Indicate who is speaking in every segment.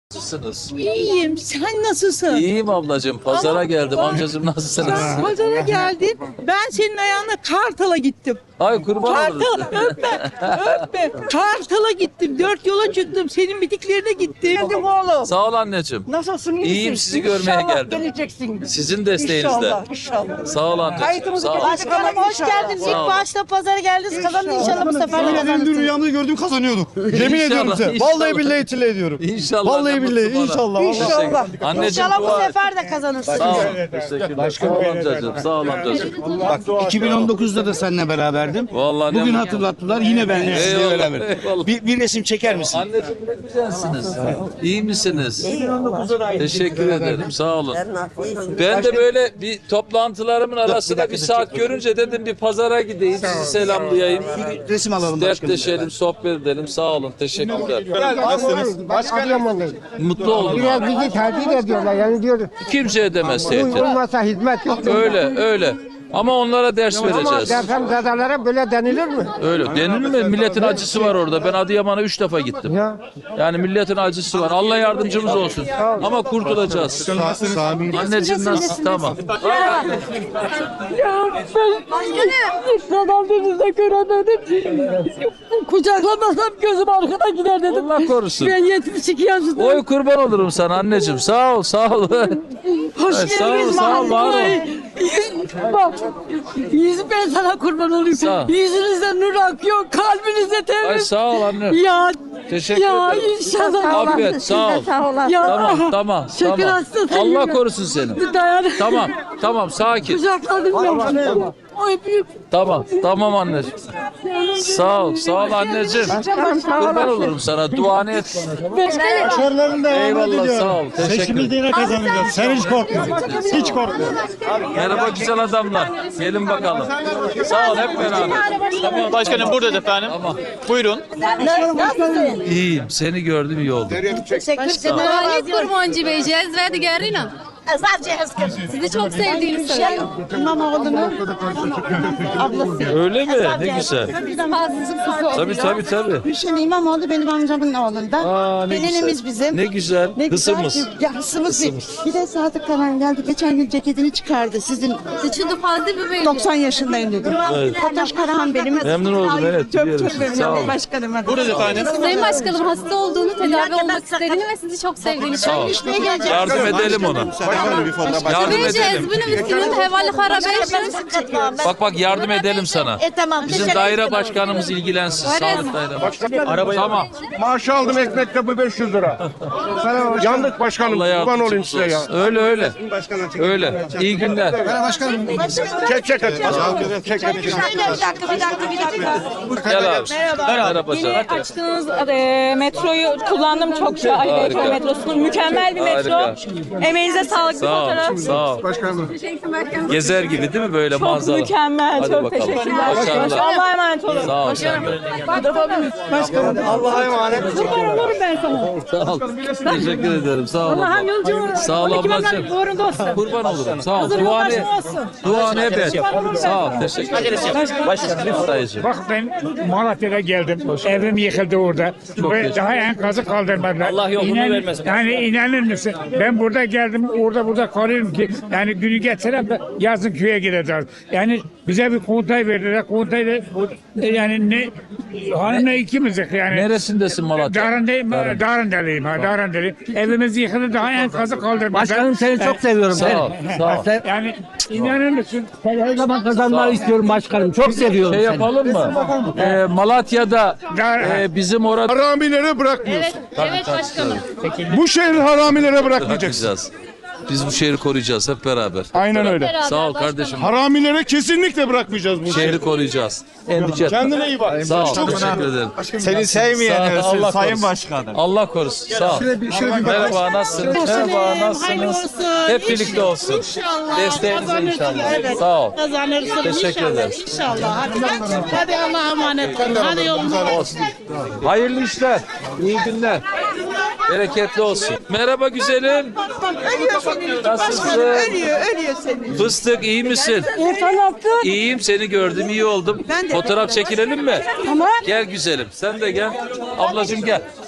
Speaker 1: Nasılsınız?
Speaker 2: İyiyim. Sen nasılsın?
Speaker 1: İyiyim ablacığım. Pazara geldim. Amcacığım nasılsınız?
Speaker 2: Pazara geldin. Ben senin ayağına Kartal'a gittim.
Speaker 1: Ay kurban olurum.
Speaker 2: Kartal'a öpme. Kartal'a gittim. 4 yola çıktım. Senin bitiklerine gittim. Geldim oğlum.
Speaker 1: Sağ ol anneciğim.
Speaker 2: Nasılsın? İyisin?
Speaker 1: İyiyim, sizi görmeye
Speaker 2: İnşallah
Speaker 1: geldim.
Speaker 2: geleceksin.
Speaker 1: Sizin desteğinizle.
Speaker 2: İnşallah.
Speaker 1: Sağ ol anneciğim.
Speaker 2: Kayıtımızı
Speaker 1: Sağ ol.
Speaker 2: Başkanım hoş geldiniz.
Speaker 1: Sağ
Speaker 3: İlk
Speaker 1: olun.
Speaker 3: başta pazara geldiniz, kazandınız inşallah bu sefer de
Speaker 4: Dün
Speaker 3: kazanırsınız.
Speaker 4: rüyamda gördüğüm kazanıyordum. Yemin ediyorum size.
Speaker 1: inşallah.
Speaker 4: Vallahi billahi itile ediyorum.
Speaker 1: İnşallah.
Speaker 4: Vallahi
Speaker 1: ne
Speaker 4: billahi
Speaker 1: mutlu bana.
Speaker 4: inşallah.
Speaker 2: İnşallah.
Speaker 1: Anneciğim
Speaker 3: İnşallah bu
Speaker 1: dua et.
Speaker 3: sefer de kazanırsınız.
Speaker 1: Sağ ol. Teşekkürler. Sağ ol amcacığım. Sağ ol amcacığım.
Speaker 5: Bak 2019'da da seninle beraberdim.
Speaker 1: Vallahi ne
Speaker 5: Bugün
Speaker 1: mutlu.
Speaker 5: hatırlattılar yine benle sizinle
Speaker 1: Eyvallah,
Speaker 5: beraber.
Speaker 1: eyvallah.
Speaker 5: Bir resim çeker misin?
Speaker 1: Anneciğim ne güzelsiniz. İyi misiniz? Teşekkür ederim. Sağ olun. Ben de böyle bir toplantılarımın arasında bir saat görünce dedim bir pazara gideyim, sizi selamlayayım.
Speaker 5: Bir resim alalım başkanım.
Speaker 1: Dertleşelim, sohbet edelim. Sağ olun. Teşekkürler.
Speaker 6: Başkanım
Speaker 1: Mutlu oldum.
Speaker 6: biraz bizi tehdit ediyorlar yani diyor.
Speaker 1: Kimseye demez tehdit.
Speaker 6: Olmasa hizmet yok.
Speaker 1: Öyle. Ama onlara ders
Speaker 6: Ama
Speaker 1: vereceğiz.
Speaker 6: depremzedelere böyle denilir mi?
Speaker 1: Öyle. Denilir mi? Milletin acısı var orada. Ben Adıyaman'a 3 defa gittim.
Speaker 6: Ya.
Speaker 1: Yani milletin acısı var. Allah yardımcımız olsun. Ama kurtulacağız. Anneciğim nasıl? Tamam.
Speaker 2: Adam denizde göremedim. Kucaklamasam gözüm arkada gider dedim.
Speaker 1: Allah korusun.
Speaker 2: Ben 72 yaşındayım.
Speaker 1: Oy kurban olurum sana anneciğim. Sağ ol.
Speaker 2: Hoş
Speaker 1: Ay, sağ ol,
Speaker 2: geldiniz
Speaker 1: sağ ol, var ol.
Speaker 2: Bak, ben sana kurban olayım.
Speaker 1: Sağ ol.
Speaker 2: Yüzünüzde nur akıyor, kalbinizde
Speaker 1: Ay
Speaker 2: temiz.
Speaker 1: sağ ol anne.
Speaker 2: Ya,
Speaker 1: Teşekkür
Speaker 2: ya
Speaker 1: ederim.
Speaker 2: inşallah.
Speaker 1: Afiyet sağ ol.
Speaker 2: Ya,
Speaker 1: Tamam.
Speaker 2: şeker hastası
Speaker 1: Allah
Speaker 2: gibi.
Speaker 1: korusun seni.
Speaker 2: Dayan.
Speaker 1: Tamam sakin.
Speaker 2: Kucakladım ben. Oy büyük.
Speaker 1: Tamam anneciğim. Sağ ol anneciğim. Kurban olurum sana. Duanı et.
Speaker 4: Başarılarını da
Speaker 1: Eyvallah sağ ol. Teşekkür ederim.
Speaker 4: yine kazanacağız. Sen hiç korkma. Hiç korkma.
Speaker 1: Merhaba güzel adamlar. Gelin bakalım. Sağ ol hep beraber. Tamam.
Speaker 7: Başkanım burada efendim.
Speaker 1: Tamam.
Speaker 7: Buyurun.
Speaker 1: İyiyim. Seni gördüm iyi oldu.
Speaker 8: Ali Kurmancı Bey, Cezve Digerina. Sizi çok sevdiğini söylüyor.
Speaker 3: İmamoğlu'nun
Speaker 1: Öyle mi? Ne güzel. Tabii.
Speaker 3: Hüseyin İmamoğlu benim amcamın oğlunda.
Speaker 1: Ne
Speaker 3: Gelinimiz
Speaker 1: güzel.
Speaker 3: bizim.
Speaker 1: Ne güzel.
Speaker 3: Ne güzel
Speaker 1: Kısımız.
Speaker 3: ki- Ya hısımız. Bir de Sadık Karan geldi. Geçen gün ceketini çıkardı. Sizin
Speaker 8: Sıçıdı fazla bir bey.
Speaker 3: 90 yaşındayım dedi. Fatoş Karahan benim.
Speaker 1: Memnun oldum, evet, biliyorum
Speaker 3: Çok
Speaker 1: sizi.
Speaker 3: memnun
Speaker 1: Sağ
Speaker 3: oldum
Speaker 1: olun.
Speaker 3: başkanım.
Speaker 7: Burada efendim.
Speaker 8: Sayın Başkanım hasta olduğunu, tedavi olmak istediğini ve sizi çok sevdiğini
Speaker 1: Sağ ol.
Speaker 8: söylüyor.
Speaker 1: Yardım edelim ona. Yardım
Speaker 8: Ve
Speaker 1: edelim.
Speaker 8: Cezbini miskinin hevali harabeşin.
Speaker 1: Bak yardım edelim sana.
Speaker 3: Tamam.
Speaker 1: Bizim daire başkanımız ilgilensin. Sağlık daire başkanı. Tamam.
Speaker 6: Maaş aldım ekmekte bu 500 lira. Yandık başkanım.
Speaker 1: Allah
Speaker 6: Kurban olayım
Speaker 1: yardımcımız
Speaker 6: size ya.
Speaker 1: olsun. Öyle. Öyle. İyi günler.
Speaker 6: Çek.
Speaker 1: Gel abi. Merhaba
Speaker 9: Yeni
Speaker 1: canım.
Speaker 9: açtığınız metroyu kullandım çok şu Ali
Speaker 1: Harika.
Speaker 9: Metro metrosunu. Mükemmel bir metro.
Speaker 1: Harika.
Speaker 9: Emeğinize sağlık bir
Speaker 1: Sağ ol.
Speaker 9: fotoğraf.
Speaker 1: Sağ ol. Gezer gibi değil mi böyle
Speaker 9: Çok
Speaker 1: manzara?
Speaker 9: mükemmel.
Speaker 1: Hadi
Speaker 9: çok
Speaker 1: bakalım.
Speaker 9: teşekkürler.
Speaker 1: Başarılar.
Speaker 9: Allah'a emanet olun.
Speaker 1: Sağ ol. Sen de.
Speaker 4: Allah'a emanet.
Speaker 9: Kurban olurum ben sana.
Speaker 1: Sağ ol. Teşekkür ederim. Sağ ol.
Speaker 9: Allah'ım
Speaker 1: abla.
Speaker 9: yolculuğun.
Speaker 1: Sağ ol ablacığım.
Speaker 9: Uğrunda olsun.
Speaker 1: Kurban olurum. Sağ ol.
Speaker 9: Huzurun
Speaker 1: Duanı
Speaker 9: başına olsun.
Speaker 1: Duanı hep et. Sağ ol. Teşekkür ederim. Dayıcığım.
Speaker 6: Bak ben Malatya'da geldim. Evim yıkıldı orada. Ve daha enkazı kaldırmadılar.
Speaker 7: Allah yolunu vermesin.
Speaker 6: Yani inanır mısın? Ben burada geldim, burada kalıyorum ki yani günü getirem de yazın köye gideceğiz. Yani bize bir kontay verdiler. Kontay da yani ne hanımla ikimizdik yani.
Speaker 1: Neresindesin Malatya?
Speaker 6: Darındeliyim. Darındeliyim. Evimiz yıkıldı, daha enkazı kaldırmadılar.
Speaker 5: Başkanım seni çok seviyorum.
Speaker 1: Sağ ol. Sağ ol.
Speaker 6: Yani inanır mısın?
Speaker 5: Her zaman kazanmayı istiyorum başkanım. Çok seviyorum
Speaker 1: Şey
Speaker 5: seni.
Speaker 1: yapalım mı? Malatya'da bizim orada
Speaker 4: Haramilere bırakmıyoruz.
Speaker 8: Evet başkanım.
Speaker 4: Bu şehri haramilere bırakmayacaksın.
Speaker 1: bırakacağız. Biz bu şehri koruyacağız hep beraber.
Speaker 4: Aynen öyle.
Speaker 8: Beraber
Speaker 1: Sağ ol
Speaker 8: başkanım.
Speaker 1: kardeşim.
Speaker 4: Haramilere kesinlikle bırakmayacağız bu şehri.
Speaker 1: Şehri koruyacağız. Endişe etme.
Speaker 4: Kendine iyi bak.
Speaker 1: Sağ ol. Teşekkür ederim.
Speaker 7: Seni sevmeyen
Speaker 1: Sağ ol, Allah
Speaker 7: Sayın
Speaker 1: korusun.
Speaker 7: Başkanım.
Speaker 1: Allah korusun. Sağ ol. Merhaba nasılsınız? Merhaba nasılsınız? Hep birlikte olsun. Desteğinize inşallah. Sağ ol.
Speaker 2: Kazanırsın
Speaker 1: Teşekkür ederim.
Speaker 2: İnşallah. Hadi Allah'a emanet olun. Hadi yoluna olsun.
Speaker 1: Hayırlı işler. İyi günler. Bereketli olsun. Merhaba güzelim. Nasılsın?
Speaker 2: Ölüyor seni.
Speaker 1: Fıstık iyi misin? İyiyim seni gördüm iyi oldum. Fotoğraf çekilelim mi?
Speaker 9: Tamam.
Speaker 1: Gel güzelim sen de gel. Ablacığım gel.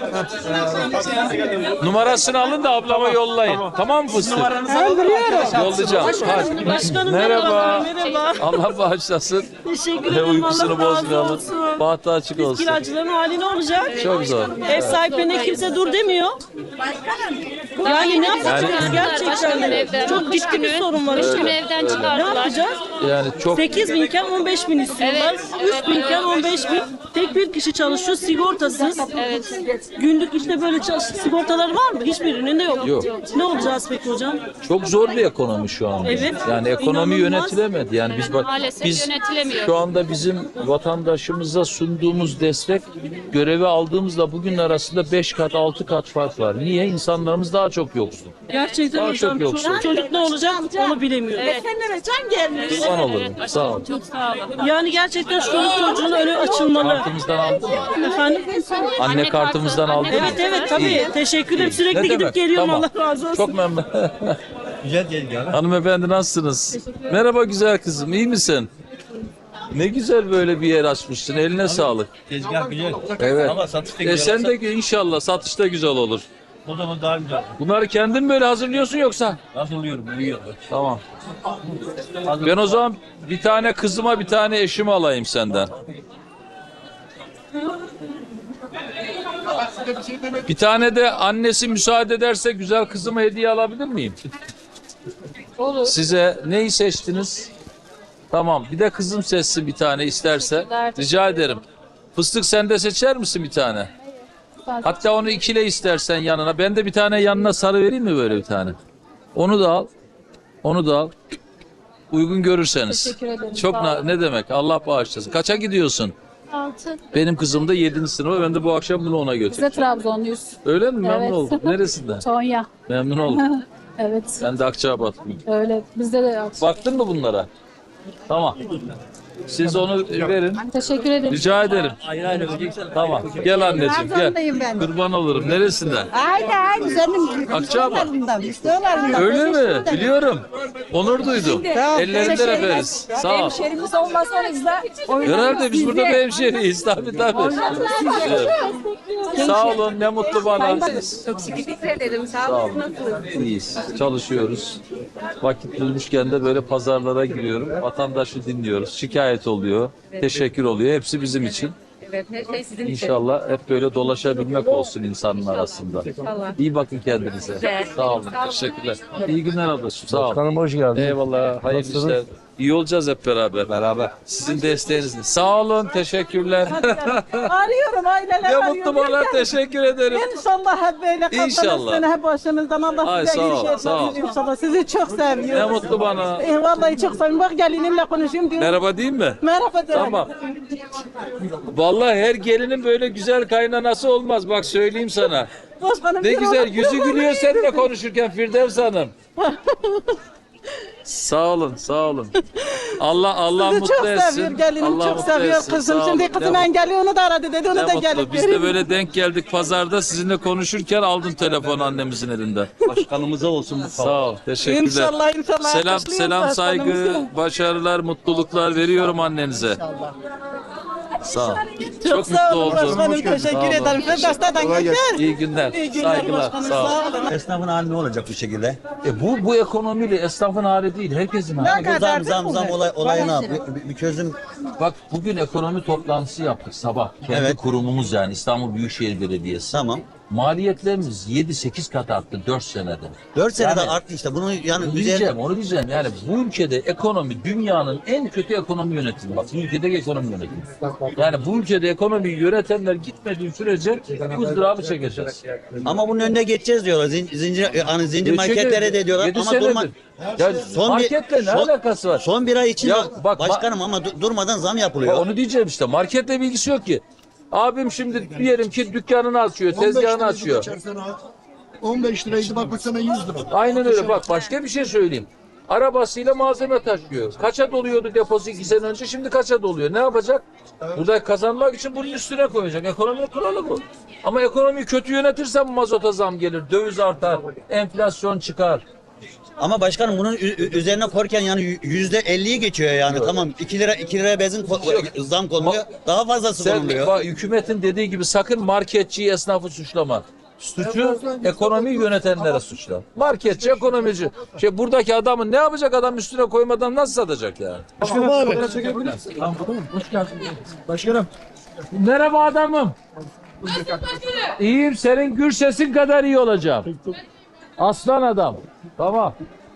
Speaker 1: Numarasını alın da ablama yollayın. Tamam mı fıstık? Yollayacağım. Hadi.
Speaker 2: Başkanım
Speaker 1: Merhaba.
Speaker 2: merhaba.
Speaker 1: Allah bağışlasın.
Speaker 2: Teşekkür
Speaker 1: Ve
Speaker 2: ederim.
Speaker 1: uykusunu
Speaker 2: Allah razı
Speaker 1: bozmayalım.
Speaker 2: olsun.
Speaker 1: Bahtı açık olsun.
Speaker 2: Kiracıların hali ne olacak?
Speaker 1: Çok zor.
Speaker 2: Ev sahiplerine kimse dur demiyor. Yani ne yapacağız gerçekten?
Speaker 8: evden.
Speaker 2: Çok ciddi bir sorun var.
Speaker 8: 3
Speaker 2: işte.
Speaker 8: gün evden
Speaker 2: Ne
Speaker 8: çıkardılar.
Speaker 2: yapacağız?
Speaker 1: Yani çok
Speaker 2: 8 binken 15 bin istiyorlar. 3 binken 15 bin. Tek bir kişi çalışıyor sigortasız.
Speaker 8: Evet.
Speaker 2: Günlük işte böyle sigortaları var mı? Hiçbirinin de yok.
Speaker 1: Yok.
Speaker 2: Ne olacağız peki hocam?
Speaker 1: çok zor bir ekonomi şu an.
Speaker 2: Evet.
Speaker 1: Yani ekonomi
Speaker 2: İnanılmaz.
Speaker 1: yönetilemedi. Yani biz bak
Speaker 8: Maalesef
Speaker 1: biz
Speaker 8: yönetilemiyor.
Speaker 1: şu anda bizim vatandaşımıza sunduğumuz destek görevi aldığımızda bugün arasında 5 kat 6 kat fark var. Niye? İnsanlarımız daha çok yoksul.
Speaker 2: Gerçekten
Speaker 1: Daha
Speaker 2: hocam
Speaker 1: çok yoksul.
Speaker 2: çocuk ne olacak onu bilemiyorum.
Speaker 1: Kurban olurum. Sağ ol.
Speaker 2: Yani gerçekten şu çocuğun önü açılmalı.
Speaker 1: Kartımızdan aldın mı?
Speaker 2: Efendim?
Speaker 1: Anne kartımızdan aldın mı?
Speaker 2: Evet evet tabii.
Speaker 1: İyi.
Speaker 2: Teşekkür ederim.
Speaker 1: Ne
Speaker 2: Sürekli gidip
Speaker 1: demek?
Speaker 2: geliyorum.
Speaker 1: Tamam.
Speaker 2: Allah razı olsun.
Speaker 1: Çok memnun.
Speaker 7: Güzel değil ya.
Speaker 1: Hanımefendi nasılsınız? Merhaba güzel kızım. İyi misin? Ne güzel böyle bir yer açmışsın. Eline sağlık.
Speaker 7: Tezgah güzel.
Speaker 1: Evet.
Speaker 7: Ama satışta
Speaker 1: Sen de inşallah satışta güzel olur.
Speaker 7: O zaman daha güzel.
Speaker 1: Bunları kendin böyle hazırlıyorsun yoksa?
Speaker 7: Hazırlıyorum, biliyorum.
Speaker 1: Tamam. Ben o zaman bir tane kızıma bir tane eşimi alayım senden. Bir tane de annesi müsaade ederse güzel kızıma hediye alabilir miyim?
Speaker 8: Olur.
Speaker 1: Size neyi seçtiniz? Tamam. Bir de kızım seçsin bir tane isterse. Rica ederim. Fıstık sen de seçer misin bir tane? Hatta onu ikile istersen yanına. Ben de bir tane yanına sarı vereyim mi böyle bir tane? Onu da al. Onu da al. Uygun görürseniz.
Speaker 8: Teşekkür ederim.
Speaker 1: Çok
Speaker 8: Sağ olun.
Speaker 1: ne demek? Allah bağışlasın. Kaça gidiyorsun?
Speaker 8: 6.
Speaker 1: Benim kızım da 7. sınıfa. Ben de bu akşam bunu ona
Speaker 8: Biz de
Speaker 1: götüreceğim.
Speaker 8: Trabzonluyuz.
Speaker 1: Öyle mi? Memnun
Speaker 8: Evet.
Speaker 1: oldum. Neresinden?
Speaker 8: Tonya.
Speaker 1: Memnun oldum.
Speaker 8: Evet.
Speaker 1: Ben de Akçabatlıyım.
Speaker 8: Öyle. Bizde de
Speaker 1: Baktın mı bunlara? Tamam. Siz onu verin.
Speaker 8: Teşekkür ederim.
Speaker 1: Rica ederim. Tamam. Gel anneciğim gel.
Speaker 3: Trabzon'dayım ben.
Speaker 1: Kurban olurum. Neresinden?
Speaker 3: Aynen senin
Speaker 1: Akçaabat.
Speaker 3: Üstülarından.
Speaker 1: Öyle mi? Biliyorum. Onur duydum. Ellerinden öperiz. Sağ ol.
Speaker 8: Hemşerimiz olmasa o yüzden.
Speaker 1: Herhalde biz burada bir hemşehriyiz. Tabii tabii. Evet. Sağ olun. Ne mutlu bana.
Speaker 8: Çok teşekkür ederim.
Speaker 1: Sağ olun. İyiyiz. Çalışıyoruz. Vakit bulmuşken de böyle pazarlara giriyorum. Vatandaşı dinliyoruz. Şikayet oluyor. Teşekkür oluyor. Hepsi bizim için.
Speaker 8: Evet, her şey sizin için.
Speaker 1: İnşallah hep böyle dolaşabilmek olsun insanın arasında. İyi bakın kendinize. Sağ olun. Teşekkürler. İyi günler ablacığım. Sağ olun.
Speaker 5: Hanım hoş geldin.
Speaker 1: Eyvallah. Hayırlı işler. İyi olacağız hep beraber.
Speaker 5: Beraber.
Speaker 1: Sizin desteğinizle. Sağ olun. Teşekkürler.
Speaker 2: Arıyorum aileler
Speaker 1: Ne
Speaker 2: arıyor.
Speaker 1: mutlu bana. Teşekkür ederim.
Speaker 2: İnşallah hep böyle
Speaker 1: İnşallah.
Speaker 2: kaptanız hep başınızdan Allah
Speaker 1: Ay,
Speaker 2: size
Speaker 1: sağ ol,
Speaker 2: iyi şeyler
Speaker 1: sağ ol.
Speaker 2: verir inşallah. Sizi çok
Speaker 1: Ne
Speaker 2: seviyorum.
Speaker 1: mutlu bana.
Speaker 2: Vallahi çok seviyorum. Bak gelinimle konuşuyorum diyorum.
Speaker 1: Merhaba değil mi?
Speaker 2: Merhaba de.
Speaker 1: Tamam. Vallahi her gelinin böyle güzel kaynanası olmaz. Bak söyleyeyim sana.
Speaker 2: Başkanım,
Speaker 1: Ne
Speaker 2: bir
Speaker 1: güzel
Speaker 2: olarak-
Speaker 1: yüzü gülüyor seninle konuşurken Firdevs Hanım. Sağ olun, sağ olun. Allah
Speaker 2: Sizi
Speaker 1: mutlu
Speaker 2: çok
Speaker 1: etsin.
Speaker 2: seviyor gelinim
Speaker 1: Allah
Speaker 2: çok
Speaker 1: mutlu
Speaker 2: seviyor
Speaker 1: etsin.
Speaker 2: kızım.
Speaker 1: Sağ
Speaker 2: Şimdi
Speaker 1: olun.
Speaker 2: kızım
Speaker 1: Ne
Speaker 2: engelli onu da aradı dedi. Onu da
Speaker 1: mutlu.
Speaker 2: gelip
Speaker 1: Biz de
Speaker 2: göreyim.
Speaker 1: böyle denk geldik pazarda sizinle konuşurken aldım telefonu annemizin elinden.
Speaker 7: Başkanımıza olsun bu
Speaker 1: Sağ ol, teşekkürler.
Speaker 2: İnşallah.
Speaker 1: Selam,
Speaker 2: alkışlıyoruz
Speaker 1: selam, saygı,
Speaker 2: başkanımızı.
Speaker 1: başarılar, mutluluklar veriyorum annenize. Sağ ol.
Speaker 2: Çok sağ olun
Speaker 1: oldum.
Speaker 2: başkanım.
Speaker 1: Sağ olun.
Speaker 2: Teşekkür ederim. Firdevs'ten geçer.
Speaker 1: İyi günler.
Speaker 2: İyi günler
Speaker 1: Saygılar.
Speaker 2: başkanım.
Speaker 1: Sağ ol.
Speaker 2: Sağ olun.
Speaker 7: Esnafın hali ne olacak bu şekilde?
Speaker 1: Bu ekonomiyle esnafın hali değil, herkesin hali.
Speaker 7: Bu zam olayına bir çözüm.
Speaker 1: Bak bugün ekonomi toplantısı yaptık sabah. Kendi
Speaker 7: Evet.
Speaker 1: kurumumuz yani İstanbul Büyükşehir Belediyesi.
Speaker 7: Tamam.
Speaker 1: Maliyetlerimiz 7-8 kat arttı 4 senede.
Speaker 7: 4 senede
Speaker 1: Yani-
Speaker 7: arttı işte. Bunu yani
Speaker 1: Onu diyeceğim. Yani bu ülkede ekonomi dünyanın en kötü ekonomi yönetimi. Bak bu ülkedeki ekonomi yönetimi. Yani bu ülkede ekonomiyi yönetenler gitmediği sürece ızdırabı çekeceğiz.
Speaker 7: ama bunun önüne geçeceğiz diyorlar. Zincir marketlere de diyorlar.
Speaker 1: 7
Speaker 7: Ama durma.
Speaker 1: senedir. Ya marketle ne alakası var?
Speaker 7: Son bir ay için
Speaker 1: Ya bak-
Speaker 7: başkanım ama durmadan zam
Speaker 1: Ya
Speaker 7: yapılıyor.
Speaker 1: onu diyeceğim işte. Marketle bilgisi yok ki. Abim şimdi diyelim ki dükkanını açıyor, tezgahını açıyor.
Speaker 4: 15 liraydı bak bu sene 100 lira.
Speaker 1: Aynen öyle. Bak başka bir şey söyleyeyim. Arabasıyla malzeme taşıyor. Kaça doluyordu deposu 2 sene önce, şimdi kaça doluyor? Ne yapacak? Burada kazanmak için bunun üstüne koyacak. Ekonominin kuralı bu. Ama ekonomiyi kötü yönetirsen mazota zam gelir, döviz artar, enflasyon çıkar.
Speaker 7: Ama başkanım bunun üzerine korken yani %50'yi geçiyor yani. Tamam 2 liraya benzin zam konuluyor. Daha fazlası
Speaker 1: Sen
Speaker 7: konuluyor.
Speaker 1: bak, hükümetin dediği gibi sakın marketçiyi, esnafı suçlama. Suçu ekonomiyi yönetenlere suçla. Marketçi, ekonomici. Buradaki adamın ne yapacak, adam üstüne koymadan nasıl satacak yani?
Speaker 4: Başkanım.
Speaker 1: Merhaba adamım. İyiyim, senin gür sesin kadar iyi olacağım. Aslan adam. Tamam.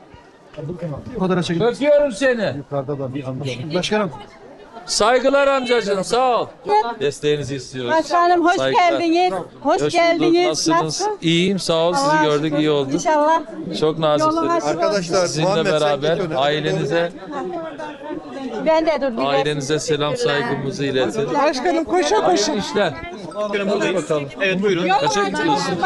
Speaker 1: Öpüyorum seni.
Speaker 4: Başkanım.
Speaker 1: Saygılar amcacığım, sağ ol. Desteğinizi istiyoruz.
Speaker 9: Başkanım hoş
Speaker 1: Saygılar.
Speaker 9: geldiniz. Hoş
Speaker 1: Hoş
Speaker 9: geldiniz.
Speaker 1: bulduk. Nasılsınız? İyiyim, sağ ol. Sizi gördük, iyi oldu.
Speaker 9: İnşallah.
Speaker 1: Çok naziksiniz.
Speaker 4: Arkadaşlar
Speaker 1: Sizinle beraber ailenize
Speaker 9: Ben de dur.
Speaker 1: ailenize selam saygımızı iletin.
Speaker 2: Başkanım koşa koşa.
Speaker 1: Hayırlı işler.
Speaker 7: Evet buyurun.
Speaker 1: Kaça gidiyorsun?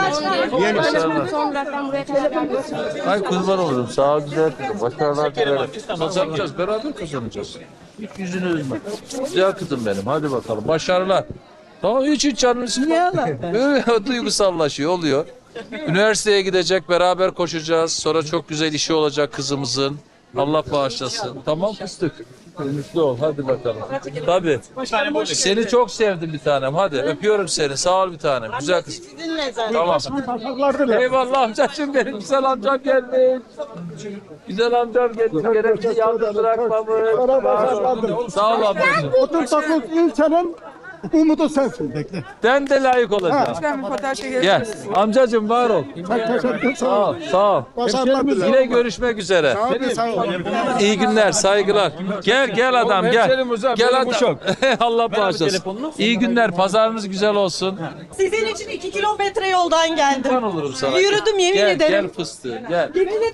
Speaker 1: Ay kurban olurum. Sağ ol, güzel kızım. Başarılar dilerim. Kazanacağız. Beraber kazanacağız. Hiç yüzünü üzme. Güzel kızım benim. Hadi bakalım. Başarılar. Tamam, hiç canını sıkma. Böyle duygusallaşıyor, oluyor. Üniversiteye gidecek, beraber koşacağız. Sonra çok güzel işi olacak kızımızın. Allah bağışlasın. Tamam fıstık. Mutlu ol. Hadi bakalım. Tabii. Seni çok sevdim bir tanem. Hadi öpüyorum seni. Sağ ol bir tanem. Güzel kız. Tamam. Eyvallah amcacığım benim. Güzel amcam gelmiş. Güzel amcam gelmiş. Gerekli yalnız bırakmamış. Sağ ol amcacığım.
Speaker 4: 39 ilçenin umudu sensin. Bekle.
Speaker 1: Ben de layık olacağım. Gel. Amcacığım var ol. Sağ ol. Sağ ol.
Speaker 4: Başarılar dilerim.
Speaker 1: Yine görüşmek üzere.
Speaker 4: Sağ ol.
Speaker 1: İyi günler, saygılar. Gel adam gel. Gel adam. Allah bağışlasın. İyi günler, pazarınız güzel olsun.
Speaker 3: Sizin için 2 kilometre yoldan geldim.
Speaker 1: Ben olurum sana.
Speaker 3: Yürüdüm, yemin
Speaker 1: gel,
Speaker 3: ederim.
Speaker 1: Gel fıstığı, gel.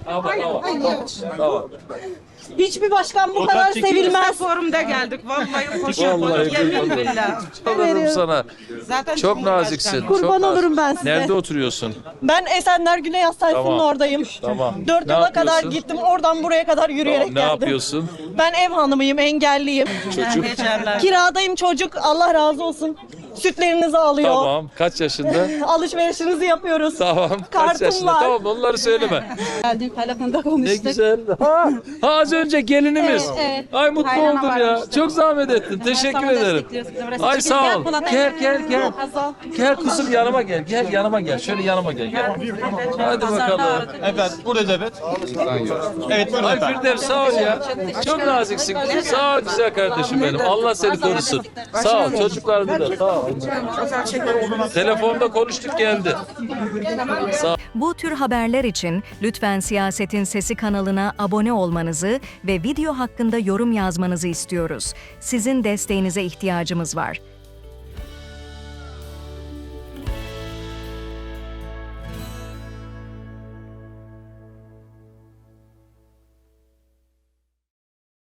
Speaker 1: Tamam.
Speaker 3: Hiçbir başkan bu kadar sevilmez.
Speaker 2: Forumda geldik. Vallahi koşa
Speaker 1: Vallahi
Speaker 2: Yeminle.
Speaker 1: çok olurum sana. Çok naziksin.
Speaker 3: Kurban
Speaker 1: çok
Speaker 3: olurum ben size.
Speaker 1: Nerede oturuyorsun?
Speaker 3: Ben Esenler Güney Hastanesi'nin
Speaker 1: Tamam.
Speaker 3: oradayım.
Speaker 1: Tamam.
Speaker 3: 4
Speaker 1: Ne
Speaker 3: yola kadar
Speaker 1: yapıyorsun?
Speaker 3: gittim. Oradan buraya kadar yürüyerek
Speaker 1: Ne
Speaker 3: geldim.
Speaker 1: yapıyorsun?
Speaker 3: Ben ev hanımıyım, engelliyim.
Speaker 1: Çocuk.
Speaker 3: Kiradayım çocuk. Allah razı olsun. Sütlerinizi alıyor.
Speaker 1: Tamam. Kaç yaşında?
Speaker 3: Alışverişinizi yapıyoruz.
Speaker 1: Tamam. Kaç
Speaker 3: Kartım
Speaker 1: yaşında?
Speaker 3: var.
Speaker 1: Tamam, onları söyleme.
Speaker 9: Geldim telefonda
Speaker 1: Ne
Speaker 9: konuştuk.
Speaker 1: güzel. Ha, az önce gelinimiz.
Speaker 9: Evet.
Speaker 1: Ay mutlu
Speaker 9: Kaynana
Speaker 1: oldum ya.
Speaker 9: varmıştı.
Speaker 1: Çok zahmet ettin. Teşekkür
Speaker 9: Tamam,
Speaker 1: ederim.
Speaker 9: destekliyoruz sizi. Burası
Speaker 1: Ay
Speaker 9: çekin.
Speaker 1: sağ
Speaker 9: Gel
Speaker 1: ol.
Speaker 9: Polat.
Speaker 1: Gel.
Speaker 9: Hazal.
Speaker 1: Gel kızım yanıma gel. Gel yanıma gel. Şöyle yanıma gel. Hadi bakalım.
Speaker 7: Evet buradayız evet. Evet buyurun
Speaker 1: Ay
Speaker 7: efendim.
Speaker 1: Firdevs sağ ol ya. Çok naziksin. Sağ ol güzel kardeşim benim. Allah seni korusun. Sağ ol. Çocuklarını da sağ ol. Telefonda konuştuk geldi.
Speaker 10: Bu tür haberler için lütfen Siyasetin Sesi kanalına abone olmanızı ve video hakkında yorum yazmanızı istiyoruz. Sizin desteğinize ihtiyacımız var.